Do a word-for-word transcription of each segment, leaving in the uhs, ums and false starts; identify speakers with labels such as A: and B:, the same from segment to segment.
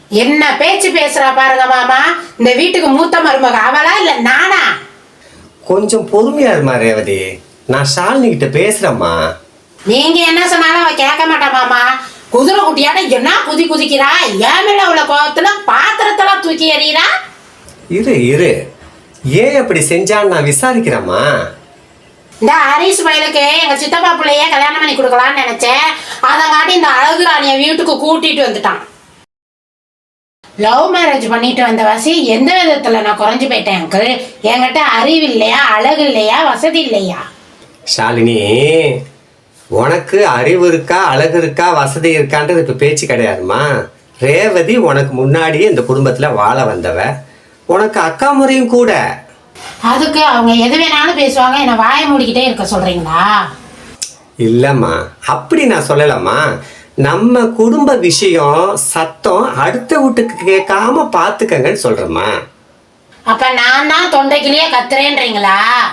A: என்ன பேச்சு பேசுறா பாருங்க மாமா. இந்த வீட்டுக்கு மூத்த மருமக அவளா இல்ல நானா?
B: கொஞ்சம் பொறுமையா இருமா ரேவதி, நான் ஷாலினி கிட்ட பேசுறேம்மா.
A: நீங்க என்ன சொன்னாலும் அவ கேட்க மாட்டா மாமா. குதிரை குட்டியாட என்ன குதி குதிக்கிறா, ஏன் மேல உள்ள கோபத்துல பாத்திரத்தெல்லாம் தூக்கி எறிகிறா.
B: இரு இரு, ஏன் அப்படி செஞ்சான்னு நான் விசாரிக்கிறேம்மா.
A: இந்த ஹரிஷ் வயலுக்கு எங்க சித்தப்பா பிள்ளைய கல்யாணம் பண்ணி கொடுக்கலான்னு நினைச்சேன். அதை காட்டி இந்த அழகு ராணிய வீட்டுக்கு கூட்டிட்டு வந்துட்டான். லவ் மேரேஜ் பண்ணிட்டு வந்த வசி எந்த விதத்துல நான் குறைஞ்சு போயிட்டேன் அங்கிள். என்கிட்ட அறிவு இல்லையா, அழகு இல்லையா, வசதி இல்லையா?
B: ஷாலினி, உனக்கு அறிவு இருக்கா, அழகு இருக்கா, வசதி இருக்கான்றது இப்போ பேச்சு கிடையாதுமா. ரேவதி உனக்கு முன்னாடியே இந்த குடும்பத்தில் வாழ வந்தவ, உனக்கு அக்கா முறையும் கூட.
A: அதுக்கு அவங்க எது வேணாலும் பேசுவாங்க, என்னை வாய மூடிக்கிட்டே இருக்க சொல்றீங்களா?
B: இல்லைம்மா, அப்படி நான் சொல்லலம்மா. நம்ம குடும்ப விஷயம் சத்தம் அடுத்த வீட்டுக்கு கேட்காம பார்த்துக்கங்கன்னு சொல்கிறேம்மா.
A: அப்ப நான் தான் தொண்டைக்கிலேயே கத்துறேன்றீங்களா?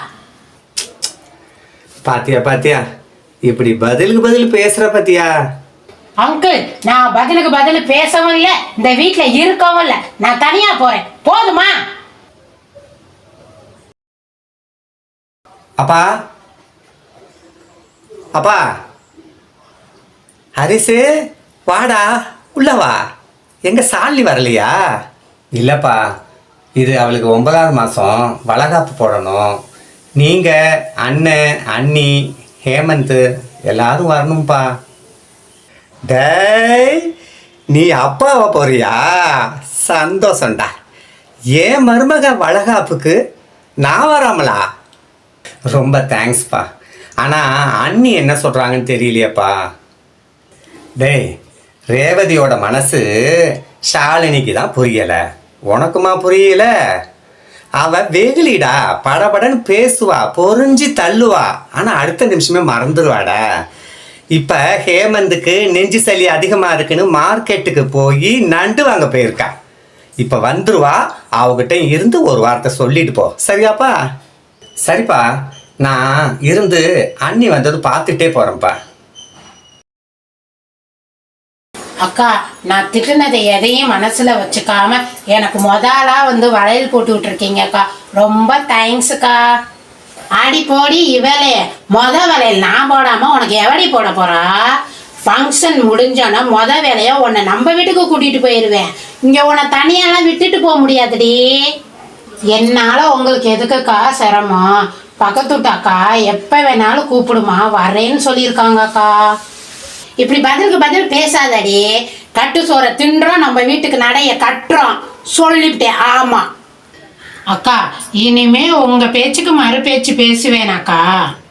B: பாத்தியா பாத்தியா, இப்படி பதிலுக்கு பதில் பேசுற பாத்தியா?
A: அங்கிள், நான் பதிலுக்கு பதில் பேசவும் இல்லை, இந்த வீட்டுல இருக்கவும் இல்லை. நான் தனியா போறேன், போதுமா?
B: அப்பா அப்பா, ஹரிசு வாடா, உள்ள வா. எங்க சாலி வரலையா? இல்லப்பா, இது அவளுக்கு ஒன்பதாவது மாதம் வளகாப்பு போடணும். நீங்கள் அண்ணன் அண்ணி ஹேமந்த் எல்லாரும் வரணும்ப்பா. டேய், நீ அப்பாவை போறியா? சந்தோஷம்டா. ஏன் மருமக வளகாப்புக்கு நான் வராமலா? ரொம்ப தேங்க்ஸ்ப்பா. ஆனால் அண்ணி என்ன சொல்கிறாங்கன்னு தெரியலையப்பா. டேய், ரேவதியோட மனசு ஷாலினிக்கு தான் புரியலை, உனக்குமா புரியல? அவ வெகுலிடா, படபடன்னு பேசுவா, பொறிஞ்சி தள்ளுவா, ஆனால் அடுத்த நிமிஷமே மறந்துடுவாடா. இப்போ ஹேமந்துக்கு நெஞ்சு சளி அதிகமாக இருக்குன்னு மார்க்கெட்டுக்கு போய் நண்டு வாங்க போயிருக்கா. இப்போ வந்துருவா, அவகிட்ட இருந்து ஒரு வார்த்தை சொல்லிட்டு போ, சரியாப்பா? சரிப்பா, நான் இருந்து அண்ணி வந்தது பார்த்துட்டே போகிறேன்ப்பா.
A: அக்கா, நான் திட்டுனதை எதையும் மனசுல வச்சுக்காம எனக்கு முதலா வந்து வளையல் போட்டு விட்டுருக்கீங்க அக்கா. ரொம்ப தேங்க்ஸுக்கா. ஆடி போடி இவளே, மொத வளையல் நான் போடாம உனக்கு எவடி போட போறா? ஃபங்க்ஷன் முடிஞ்சோன்னா மொத வேலையா உன்னை நம்ம வீட்டுக்கு கூட்டிட்டு போயிடுவேன். இங்க உன்னை தனியாலாம் விட்டுட்டு போக முடியாதுடி. என்னால உங்களுக்கு எதுக்குக்கா சிரமம்? பக்கத்துட்டாக்கா எப்ப வேணாலும் கூப்பிடுமா, வரேன்னு சொல்லியிருக்காங்க அக்கா. இப்படி பதிலுக்கு பதில் பேசாதடி. கட்டு சோற தின்றோம், நம்ம வீட்டுக்கு நடைய கட்டுறோம் சொல்லிவிட்டேன். ஆமா அக்கா, இனிமே உங்க பேச்சுக்கு மறு பேச்சு பேசுவேனாக்கா.